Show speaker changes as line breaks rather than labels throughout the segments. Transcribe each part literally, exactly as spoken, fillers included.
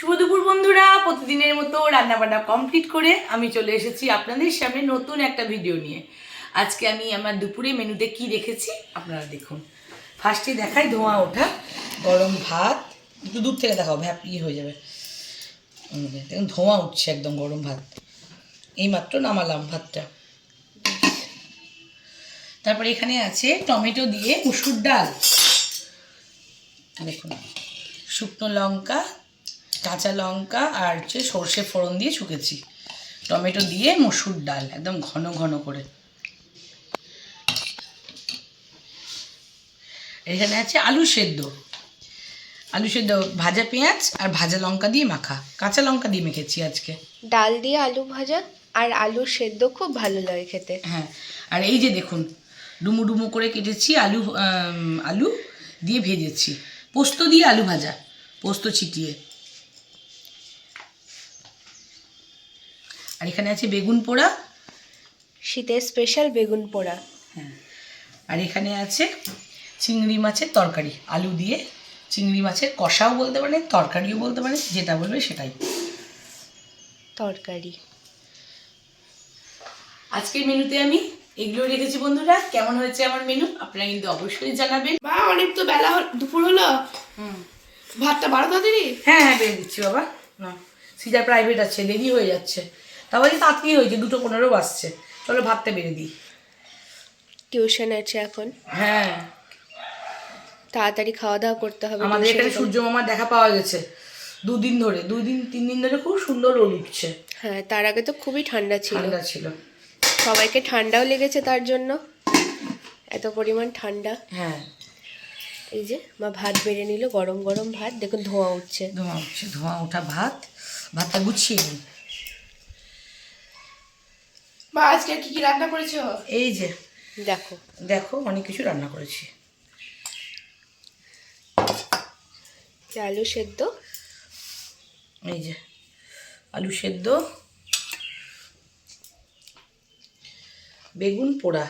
শুভ দুপুর বন্ধুরা, প্রতিদিনের মতো রান্নাবান্না কমপ্লিট করে আমি চলে এসেছি আপনাদের সামনে নতুন একটা ভিডিও নিয়ে। আজকে আমি আমার দুপুরে মেনুতে কি রেখেছি আপনারা দেখুন। ফার্স্টে দেখাই ধোঁয়া ওঠা গরম ভাত, একটু দূর থেকে দেখাও, ভ্যাপ ইয়ে হয়ে যাবে। দেখুন ধোঁয়া উঠছে একদম, গরম ভাত এইমাত্র নামালাম ভাতটা। তারপরে এখানে আছে টমেটো দিয়ে মুসুর ডাল, দেখুন শুকনো লঙ্কা, কাঁচা লঙ্কা আর হচ্ছে সর্ষে ফোড়ন দিয়ে শুকেছি, টমেটো দিয়ে মসুর ডাল একদম ঘন ঘন করে। এখানে আছে আলু সেদ্ধ, আলু সেদ্ধ ভাজা পেঁয়াজ আর ভাজা লঙ্কা দিয়ে মাখা, কাঁচা লঙ্কা দিয়ে মেখেছি আজকে।
ডাল দিয়ে আলু ভাজা আর আলু সেদ্ধ খুব ভালো লাগে খেতে।
হ্যাঁ, আর এই যে দেখুন ডুমু ডুমু করে কেটেছি আলু, আলু দিয়ে ভেজেছি, পোস্ত দিয়ে আলু ভাজা, পোস্ত ছিটিয়ে। আর এখানে আছে বেগুন পোড়া,
শীতের স্পেশাল বেগুন পোড়া।
হ্যাঁ, আর এখানে আছে চিংড়ি মাছের তরকারি, আলু দিয়ে চিংড়ি মাছের কষাও বলতে পারে, তরকারিও বলতে পারে, যেটা বলবে সেটাই।
তরকারি
আজকের মেনুতে আমি এগুলো রেখেছি বন্ধুরা। কেমন হয়েছে আমার মেনু আপনারা কিন্তু অবশ্যই জানাবেন।
মা অনেক তো বেলা দুপুর হলো,
হুম,
ভাতটা বারো তাড়াতাড়ি।
হ্যাঁ হ্যাঁ বেড়ে দিচ্ছি বাবা, না সিজার প্রাইভেট আছে, দেরি হয়ে যাচ্ছে, তারপরে তাড়াতাড়ি হয়েছে, দুটো পনেরো বাজছে, চলো ভাতটা বেড়ে দিই।
টিউশন আছে এখন,
হ্যাঁ
তাড়াতাড়ি খাওয়া দাওয়া করতে হবে।
আমাদের এখানে সূর্য মামার দেখা পাওয়া গেছে দুদিন ধরে, দুই দিন তিন দিন ধরে খুব সুন্দর রোদ উঠছে।
হ্যাঁ, তার আগে তো খুবই ঠান্ডা ছিল,
ঠান্ডা ছিল,
সবাইকে ঠান্ডাও লেগেছে তার জন্য, এত পরিমাণ ঠান্ডা।
হ্যাঁ
এই যে মা ভাত বেড়ে নিল, গরম গরম ভাত, দেখুন ধোঁয়া উঠছে।
ধোঁয়া উঠছে, ধোঁয়া ওঠা ভাত, ভাতটা গুছিয়ে নিই।
মা আজকে কি কি রান্না করেছো?
এই যে
দেখো
দেখো অনেক কিছু রান্না করেছি।
আলু সেদ্ধ,
এই যে আলু সেদ্ধ, বেগুন পোড়া,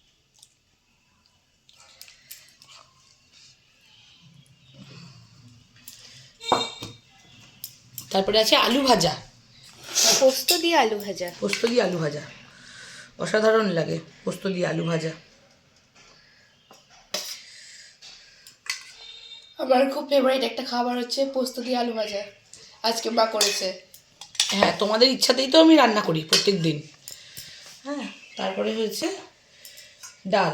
তারপরে আছে আলু ভাজা,
পোস্ত দিয়ে আলু ভাজা।
পোস্ত দিয়ে আলু ভাজা অসাধারণ লাগে, পোস্ত দিয়ে আলু ভাজা।
আমার খুব ফেভারিট একটা খাবার হচ্ছে পোস্ত দিয়ে আলু ভাজা, আজকে মা করেছে।
হ্যাঁ, তোমাদের ইচ্ছাতেই তো আমি রান্না করি প্রত্যেক দিন। হ্যাঁ, তারপরে হয়েছে ডাল,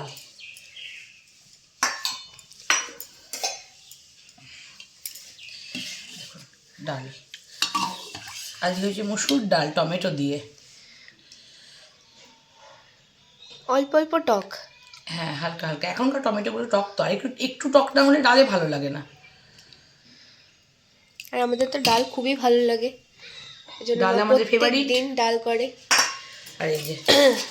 ডাল আজকে হয়েছে মসুর ডাল টমেটো দিয়ে,
অল্প অল্প টক।
হ্যাঁ হালকা হালকা, এখনকার টমেটোগুলো টক তো, আর একটু একটু টক না হলে ডালে ভালো লাগে না।
আর আমাদের তো ডাল খুবই ভালো লাগে, এজন্য
ডাল
মা
আমাদের
প্রত্যেক
favorite।
দিন ডাল করে।
আর এই যে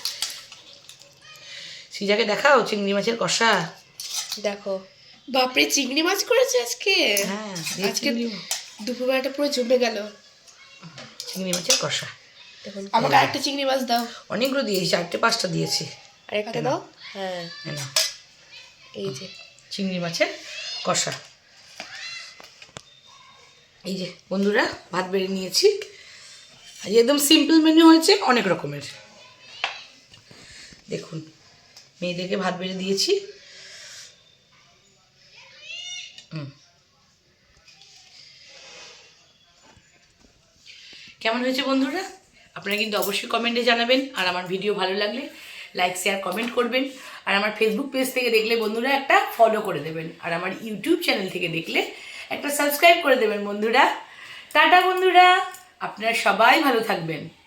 সিজাকে দেখাও চিংড়ি মাছের কষা,
দেখো
বাপরে চিংড়ি মাছ করেছে আজকে।
হ্যাঁ
আজকে দুপুরবেলাটা পুরো জমে গেল।
চিংড়ি মাছের কষা,
দেখুন
আমাকে আরেকটা চিংড়ি মাছ দাও।
অনেকগুলো দিয়েছি, চারটে পাঁচটা দিয়েছি।
আরেকটা দাও। হ্যাঁ,
এই নাও,
এই যে
চিংড়ি মাছের কষা। এই যে বন্ধুরা ভাত বেড়ে নিয়েছি, আজ একদম সিম্পল মেনু হয়েছে, অনেক রকমের। দেখুন মেয়েদেরকে ভাত বেড়ে দিয়েছি। হুম, কেমন হয়েছে বন্ধুরা আপনারা কিন্তু অবশ্যই কমেন্টে জানাবেন। আর আমার ভিডিও ভালো লাগলে লাইক শেয়ার কমেন্ট করবেন। আর আমার ফেসবুক পেজ থেকে দেখলে বন্ধুরা একটা ফলো করে দেবেন, আর আমার ইউটিউব চ্যানেল থেকে দেখলে একটা সাবস্ক্রাইব করে দেবেন বন্ধুরা। টাটা বন্ধুরা, আপনারা সবাই ভালো থাকবেন।